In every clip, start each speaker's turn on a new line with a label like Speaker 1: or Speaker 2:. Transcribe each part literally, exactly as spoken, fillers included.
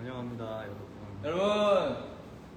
Speaker 1: 환영합니다, 여러분.
Speaker 2: 여러분,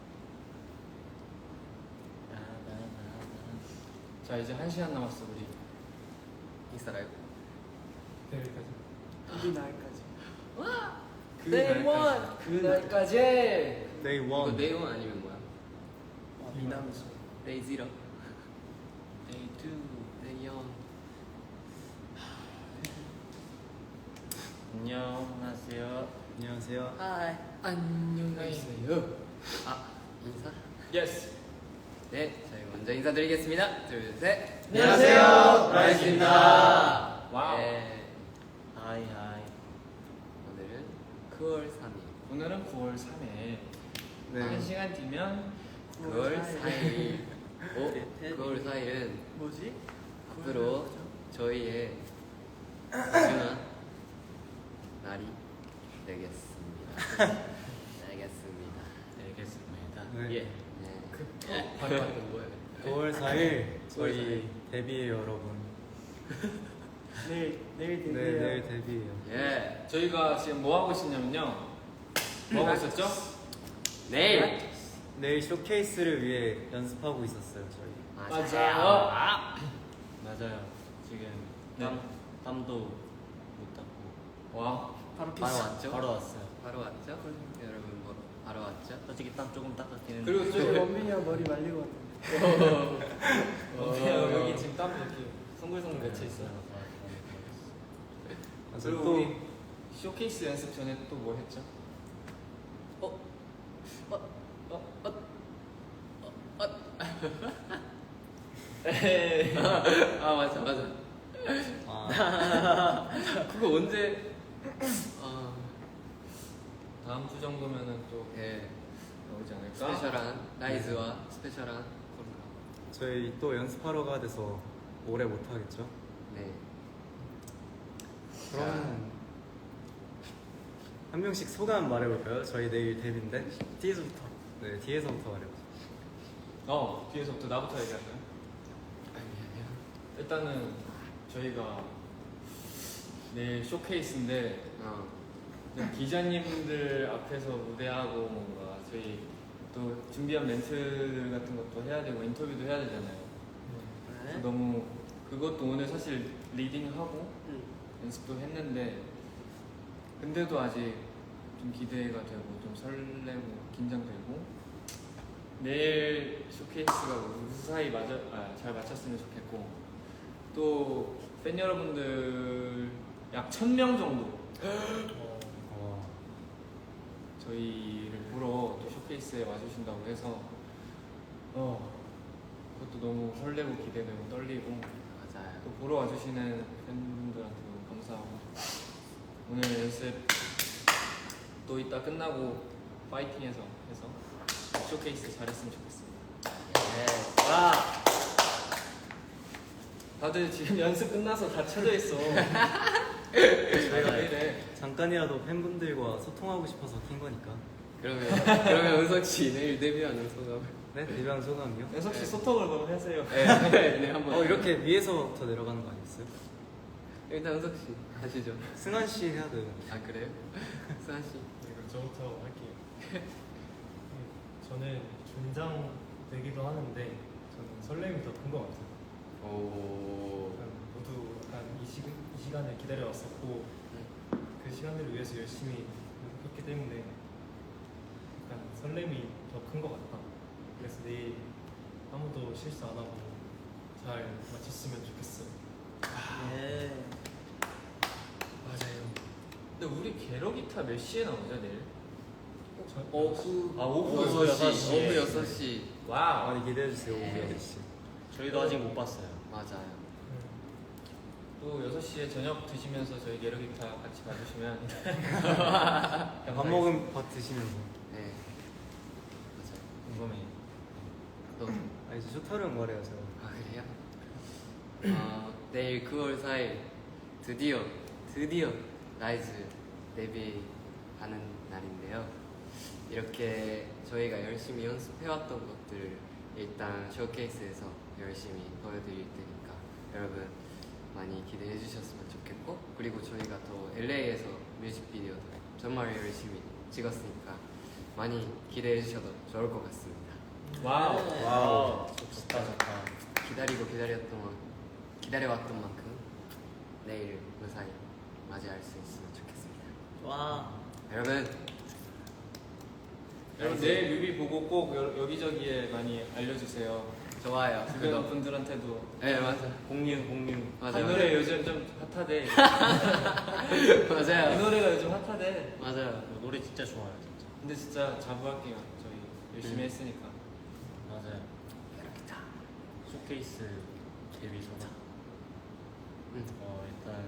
Speaker 2: 자 이제 한 시간 남았어 우리 인스타 라이브.
Speaker 3: 내일까지.
Speaker 4: 그 날까지.
Speaker 2: 와. 그
Speaker 4: Day one.
Speaker 2: 그 날까지.
Speaker 1: Day
Speaker 5: 이거
Speaker 1: one.
Speaker 5: 네이원 아니면 뭐야?
Speaker 4: 아, 미남이죠.
Speaker 5: 데이 지로, 데이 투, 데이 원.
Speaker 2: 안녕하세요.
Speaker 1: 안녕하세요.
Speaker 4: 하이.
Speaker 5: 안녕하세요. 아 인사?
Speaker 2: 예스.
Speaker 5: 네, 저희 먼저 인사드리겠습니다. 둘, 셋.
Speaker 4: 안녕하세요,
Speaker 2: 라이즈입니다. 와우.
Speaker 5: 네,
Speaker 1: 하이 하이.
Speaker 5: 오늘은 구월 삼일,
Speaker 2: 오늘은 구월 삼일.
Speaker 1: 네.
Speaker 2: 한 시간 뒤면
Speaker 5: 구월 사일. 오, 구월 사일은
Speaker 4: 뭐지?
Speaker 5: 앞으로 저희의 소중한 날이 되겠습니다. 알겠습니다.
Speaker 2: 알겠습니다.
Speaker 1: 네.
Speaker 2: 예.
Speaker 5: 네.
Speaker 2: 그 바로 하는 거예요.
Speaker 1: 구월 사일
Speaker 5: 구월
Speaker 1: 저희
Speaker 5: 사일.
Speaker 1: 데뷔예요, 여러분.
Speaker 4: 내일 내일
Speaker 1: 네,
Speaker 4: 데뷔해요.
Speaker 1: 내일 데뷔예요.
Speaker 5: 예.
Speaker 2: 저희가 지금 뭐 하고 있었냐면요. 뭐 하고 있었죠?
Speaker 5: 내일.
Speaker 1: 내일 쇼케이스를 위해 연습하고 있었어요, 저희.
Speaker 2: 맞아요.
Speaker 6: 맞아요. 지금
Speaker 2: 네.
Speaker 6: 땀, 땀도 못 닦고
Speaker 2: 와.
Speaker 4: 바로
Speaker 5: 바로
Speaker 4: 키스.
Speaker 5: 왔죠?
Speaker 6: 바로 왔어요.
Speaker 5: 바로 왔죠? 여러분 뭐 바로 왔죠?
Speaker 6: 솔직히 땀 조금 닦았기는
Speaker 2: 그리고
Speaker 4: 저희
Speaker 2: 저
Speaker 4: 원빈이 형 머리 말리고 왔는데.
Speaker 2: 어, 여기 지금 땀 이렇게 송글송글 맺혀 있어요.
Speaker 1: 맞아요.
Speaker 2: 그리고
Speaker 1: 또
Speaker 2: 우리 쇼케이스 연습 전에 또 뭐 했죠?
Speaker 5: 어? 어? 어? 어? 어? 어?
Speaker 2: 에이.
Speaker 5: 아 맞아 맞아.
Speaker 1: 아,
Speaker 5: 그거 언제? 아,
Speaker 2: 다음 주 정도면은 또
Speaker 5: 예.
Speaker 2: 나오지 않을까?
Speaker 5: 스페셜한 라이즈와 스페셜한 콜라.
Speaker 1: 저희 또 연습하러 가야 돼서 오래 못 하겠죠?
Speaker 5: 네.
Speaker 1: 그럼 한 명씩 소감 말해볼까요? 저희 내일 데뷔인데.
Speaker 4: 뒤에서부터.
Speaker 1: 네, 뒤에서부터 말해보죠.
Speaker 2: 어 뒤에서부터 나부터 얘기할까요?
Speaker 5: 아니 아니요.
Speaker 2: 일단은 저희가 내일 쇼케이스인데
Speaker 5: 어.
Speaker 2: 기자님들 앞에서 무대하고 뭔가 저희 또 준비한 멘트들 같은 것도 해야 되고 인터뷰도 해야 되잖아요. 그래서 너무 그것도 오늘 사실 리딩하고
Speaker 4: 응.
Speaker 2: 연습도 했는데 근데도 아직 좀 기대가 되고 좀 설레고 긴장되고 내일 쇼케이스가 무사히 맞아, 아, 잘 마쳤으면 좋겠고 또 팬 여러분들 약 천 명 정도
Speaker 1: 어,
Speaker 2: 저희를 보러 또 쇼케이스에 와주신다고 해서 어 그것도 너무 설레고 기대되고 떨리고
Speaker 5: 맞아요.
Speaker 2: 또 보러 와주시는 팬분들한테 너무 감사하고 오늘 연습 또 이따 끝나고 파이팅해서 해서 쇼케이스 잘했으면 좋겠습니다.
Speaker 5: 네.
Speaker 2: 와 다들 지금 연습 끝나서 다 쳐져 있어. 저희가 왜 이래?
Speaker 1: 잠깐이라도 팬분들과 소통하고 싶어서 킨 거니까.
Speaker 5: 그러면 그러면 은석 씨 내일 데뷔하는 소감.
Speaker 1: 네, 데뷔한 소감이요?
Speaker 2: 연석 씨 소통을 너무 하세요.
Speaker 5: 네, 네 한번.
Speaker 1: 어, 이렇게 위에서부터 내려가는 거 아니었어요?
Speaker 5: 일단 은석 씨 하시죠.
Speaker 1: 승환 씨 해야 돼요.
Speaker 5: 아 그래요? 수환 씨.
Speaker 3: 네, 그럼 저부터 할게요. 네, 저는 긴장되기도 하는데 저는 설렘이 더 큰 것 같아요.
Speaker 5: 오.
Speaker 3: 약간 모두 약간 이, 시, 이 시간을 기다려왔었고 그 시간들을 위해서 열심히 했기 때문에 약간 설렘이 더 큰 것 같다. 그래서 내일 아무도 실수 안 하고 잘 마쳤으면 좋겠어요.
Speaker 4: 예.
Speaker 2: 맞아요. 근데 우리 게러 기타 몇 시에 나오죠 내일?
Speaker 3: 저,
Speaker 5: 오후.
Speaker 2: 아, 오후
Speaker 5: 여섯
Speaker 2: 여섯
Speaker 5: 시.
Speaker 2: 시.
Speaker 5: 오후 여섯 시.
Speaker 2: 와우.
Speaker 1: 많이 기대해주세요, 오후
Speaker 5: 네.
Speaker 1: 여섯 시.
Speaker 6: 저희도 아직 못 봤어요.
Speaker 5: 맞아요.
Speaker 3: 음,
Speaker 2: 또 여섯 시에 저녁 드시면서 저희 게러 기타 같이 봐주시면
Speaker 1: 밥 먹은 밥 드시면서.
Speaker 5: 네. 맞아요.
Speaker 2: 궁금해.
Speaker 5: 또.
Speaker 1: 아, 이제 쇼타령 말해요, 제가.
Speaker 5: 아 그래요? 어, 내일 구월 사일 드디어 드디어 라이즈 데뷔하는 날인데요. 이렇게 저희가 열심히 연습해왔던 것들을 일단 쇼케이스에서 열심히 보여드릴 테니까 여러분 많이 기대해 주셨으면 좋겠고 그리고 저희가 또 엘에이에서 뮤직비디오도 정말 열심히
Speaker 7: 찍었으니까 많이 기대해 주셔도 좋을 것 같습니다.
Speaker 2: 와우.
Speaker 1: 와우.
Speaker 6: 좋다 좋다.
Speaker 7: 기다리고 기다렸던 만- 기다려왔던 만큼 내일 무사히 맞이할 수 있으면 좋겠습니다.
Speaker 4: 와.
Speaker 7: 여러분
Speaker 2: 여러분 내일 뮤비 보고 꼭 여, 여기저기에 많이 알려주세요.
Speaker 7: 좋아요.
Speaker 2: 주변
Speaker 7: 그거
Speaker 2: 분들한테도.
Speaker 7: 네 맞아.
Speaker 6: 공유 공유.
Speaker 2: 이
Speaker 7: 맞아요.
Speaker 2: 노래 요즘 좀 핫하대. 이
Speaker 7: 맞아요.
Speaker 2: 노래가 요즘 핫하대.
Speaker 7: 맞아요.
Speaker 6: 노래 진짜 좋아요 진짜.
Speaker 2: 근데 진짜 자부할게요. 저희 열심히
Speaker 7: 음.
Speaker 2: 했으니까.
Speaker 6: 맞아요. 쇼케이스 데뷔 소감.
Speaker 7: 응.
Speaker 6: 어 일단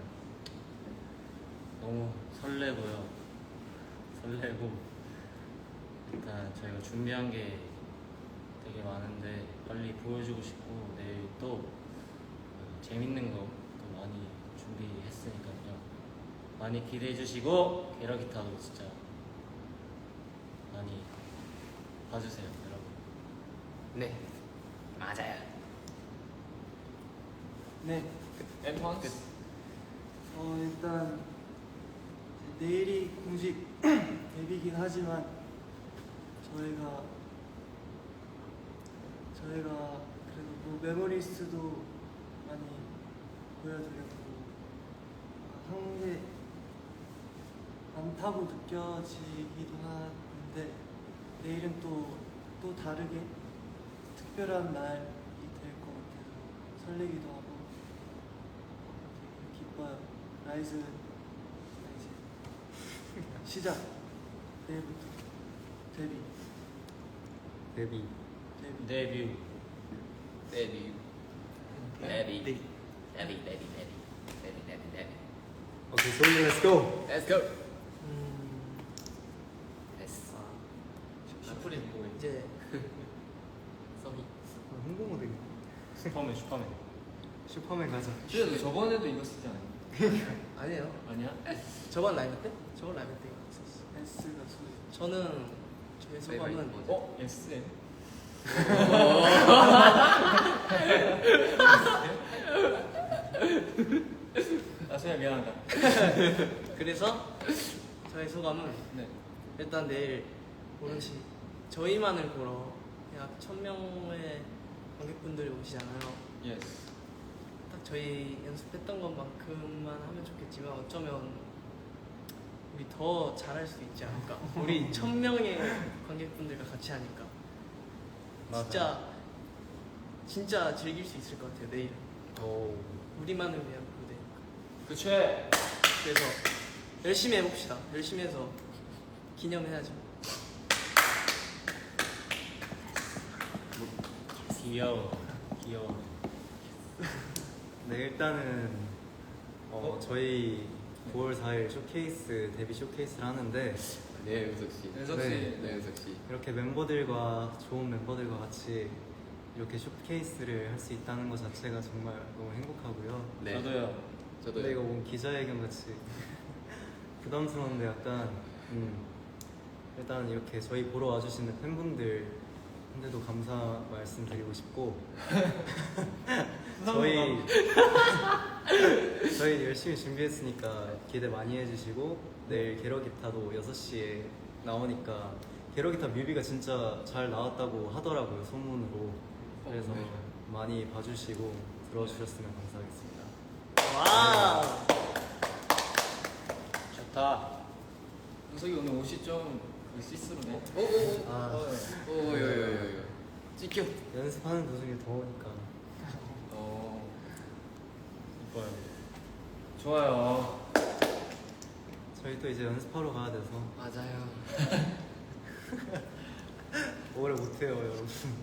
Speaker 6: 너무 설레고요. 설레고 일단 저희가 준비한 게 되게 많은데 빨리 보여주고 싶고 내일 또 어, 재밌는 거 또 많이 준비했으니까요. 많이 기대해 주시고 게러기타도 진짜 많이 봐주세요 여러분.
Speaker 7: 네 맞아요.
Speaker 4: 네.
Speaker 2: 엠펀스.
Speaker 4: 어 일단 이제 내일이 공식 데뷔긴 하지만 저희가 저희가 그래도 뭐 메모리스트도 많이 보여드렸고 한 게 많다고 느껴지기도 하는데 내일은 또 또 다르게 특별한 날이 될 것 같아서 설레기도 하고 되게 기뻐요. 라이즈 이제 시작. 내일부터 데뷔
Speaker 1: 데뷔.
Speaker 4: 데뷔.
Speaker 6: 데뷔.
Speaker 7: 데뷔 데뷔 데뷔 데뷔 데뷔 데뷔 데뷔 데뷔 데뷔.
Speaker 1: 오케이, 소리 렛츠 고.
Speaker 7: Let's go.
Speaker 4: 음,
Speaker 7: 됐어.
Speaker 2: 슈프림 보이.
Speaker 4: 이제
Speaker 7: 서비.
Speaker 1: 홍보모델.
Speaker 6: 슈퍼맨 슈퍼맨.
Speaker 1: 슈퍼맨 가자.
Speaker 2: 근데 너 저번에도 이거 쓰지 않았냐?
Speaker 4: 아니에요.
Speaker 2: 아니야?
Speaker 4: 저번 라이브 때? 저번 라이브 때 있었어. S가 소리. 저는 저의 소감은
Speaker 7: 뭐죠?
Speaker 2: 어? 에스엠? 아 소야 미안하다.
Speaker 4: 그래서 저의 소감은
Speaker 2: 네.
Speaker 4: 일단 내일 오른치 저희만을 보러 약 천 명의 관객분들이 오시잖아요.
Speaker 2: 예스.
Speaker 4: 딱 저희 연습했던 것만큼만 하면 좋겠지만 어쩌면 우리 더 잘할 수 있지 않을까. 우리 천 명의 관객분들과 같이 하니까 진짜 진짜 즐길 수 있을 것 같아요. 내일
Speaker 1: 오.
Speaker 4: 우리만을 위한 무대니까.
Speaker 2: 그치.
Speaker 4: 그래서 열심히 해봅시다. 열심히 해서 기념해야죠.
Speaker 6: 귀여워. 귀여워.
Speaker 1: 네, 일단은 어, 저희 구월 사일 쇼케이스 데뷔 쇼케이스를 하는데
Speaker 7: 네 은석 씨.
Speaker 2: 은석 씨.
Speaker 7: 네 은석 씨.
Speaker 1: 이렇게 멤버들과 좋은 멤버들과 같이 이렇게 쇼케이스를 할 수 있다는 것 자체가 정말 너무 행복하고요.
Speaker 7: 네.
Speaker 6: 저도요.
Speaker 7: 저도.
Speaker 1: 근데 이거 뭔 기자회견 같이 부담스러운데 약간 음, 일단 이렇게 저희 보러 와주시는 팬분들한테도 감사 말씀드리고 싶고 저희 저희 열심히 준비했으니까 기대 많이 해주시고 내일 게러기타도 여섯 시에 나오니까 게러기타 뮤비가 진짜 잘 나왔다고 하더라고요, 소문으로. 그래서
Speaker 7: 어, 네.
Speaker 1: 많이 봐주시고 들어주셨으면 감사하겠습니다.
Speaker 4: 와.
Speaker 6: 좋다.
Speaker 2: 은석이 오늘 옷이 좀 시스루네.
Speaker 7: 오오오.
Speaker 1: 아,
Speaker 7: 오요요요요. 찍혀.
Speaker 1: 연습하는 도중에 더우니까.
Speaker 2: 어.
Speaker 6: 이뻐요.
Speaker 2: 좋아요.
Speaker 1: 저희 또 이제 연습하러 가야 돼서
Speaker 7: 맞아요.
Speaker 1: 오래 못해요, 여러분.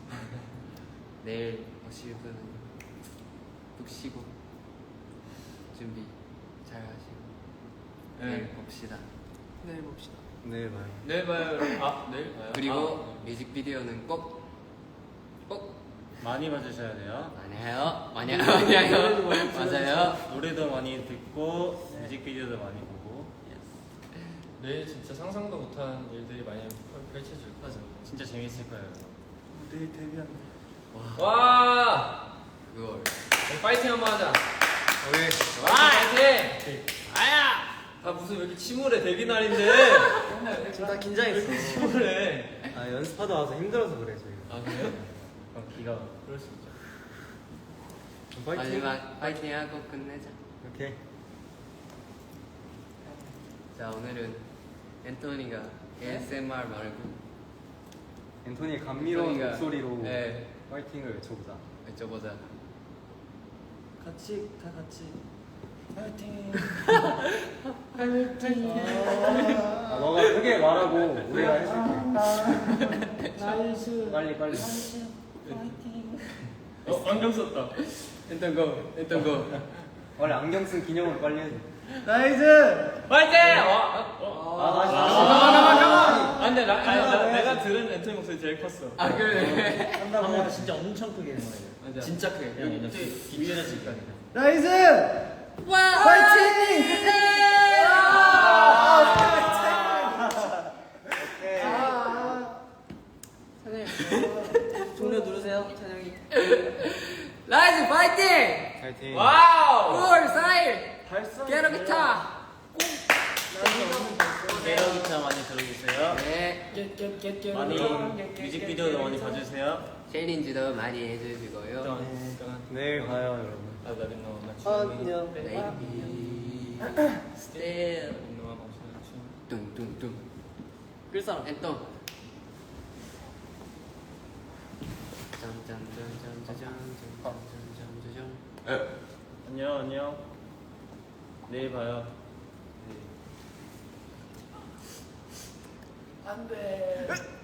Speaker 7: 내일 오실 분은 푹 쉬고 준비 잘 하시고
Speaker 2: 네.
Speaker 7: 내일 봅시다.
Speaker 4: 내일 봅시다.
Speaker 1: 내일 봐요.
Speaker 2: 내일 봐요. 아 내일 봐요.
Speaker 7: 그리고
Speaker 2: 아,
Speaker 7: 뮤직비디오는 꼭 꼭
Speaker 6: 많이 봐주셔야 돼요.
Speaker 7: 많이 해요. 많이 해요. 많이 해요. 맞아요.
Speaker 6: 노래도 많이 듣고 뮤직비디오도 많이 보고.
Speaker 2: 내일 진짜 상상도 못한 일들이 많이 펼- 펼쳐질 거예요.
Speaker 4: 맞아.
Speaker 6: 진짜 재밌을 거예요.
Speaker 4: 내일 데뷔한다.
Speaker 2: 와.
Speaker 7: 그걸
Speaker 2: 우리 파이팅 한번 하자.
Speaker 1: 오케이.
Speaker 2: 와 파이팅. 아야. 아 무슨 왜 이렇게 침울해 데뷔 날인데
Speaker 4: 지금 다 긴장했어.
Speaker 2: 침울해.
Speaker 1: 아 연습하다 와서 힘들어서 그래 저희.
Speaker 2: 아 그래요?
Speaker 6: 어, 기가
Speaker 2: 그럴 수 있죠.
Speaker 1: 파이팅.
Speaker 7: 마지막 파이팅하고 끝내자.
Speaker 1: 오케이.
Speaker 7: 자 오늘은 앤토니가 에이에스엠알 말고
Speaker 1: 앤토니의 감미로운
Speaker 7: 앤토니가,
Speaker 1: 목소리로
Speaker 7: 네.
Speaker 1: 파이팅을 외쳐보자.
Speaker 7: 여쭤보자.
Speaker 2: 같이 다 같이 파이팅.
Speaker 1: 아 너가 크게 말하고 우리가 해줄게. 빨리 빨리.
Speaker 2: 어 안경 썼다.
Speaker 7: 앤턴 고. 앤턴 고.
Speaker 1: 원래 안경 쓴 기념으로 빨리 해줘.
Speaker 2: 파이팅! 어? 어?
Speaker 1: 아 다시
Speaker 2: 아 근데 나, 아니, 나, 내가 들은 앤토니 목소리 제일 컸어.
Speaker 7: 아 그래.
Speaker 6: 한번 진짜 엄청 크게 해서
Speaker 2: 맞아.
Speaker 7: 진짜 크게.
Speaker 6: 그냥 여기 위에다 칠까
Speaker 4: 종료 누르세요, 찬영이.
Speaker 7: 라이즈 파이팅!
Speaker 1: 파이팅.
Speaker 2: 와우!
Speaker 7: 구월 사일 게러기타.
Speaker 6: 게러기타 많이 들어주세요.
Speaker 7: 네.
Speaker 6: 많이 뮤직비디오도 많이 봐주세요.
Speaker 7: 챌린지도 많이 해주시고요.
Speaker 1: 내일 봐요 여러분.
Speaker 2: 아, 나 너, 나
Speaker 4: 안녕.
Speaker 7: 베이비. 스테일.
Speaker 2: 너가 맞추는 춤.
Speaker 7: 뚱뚱뚱.
Speaker 4: 글사람.
Speaker 7: 앤턴. 짠짠짠짠짠짠짠짠짠.
Speaker 6: 안녕 안녕. 내일 봐요.
Speaker 4: 안 돼.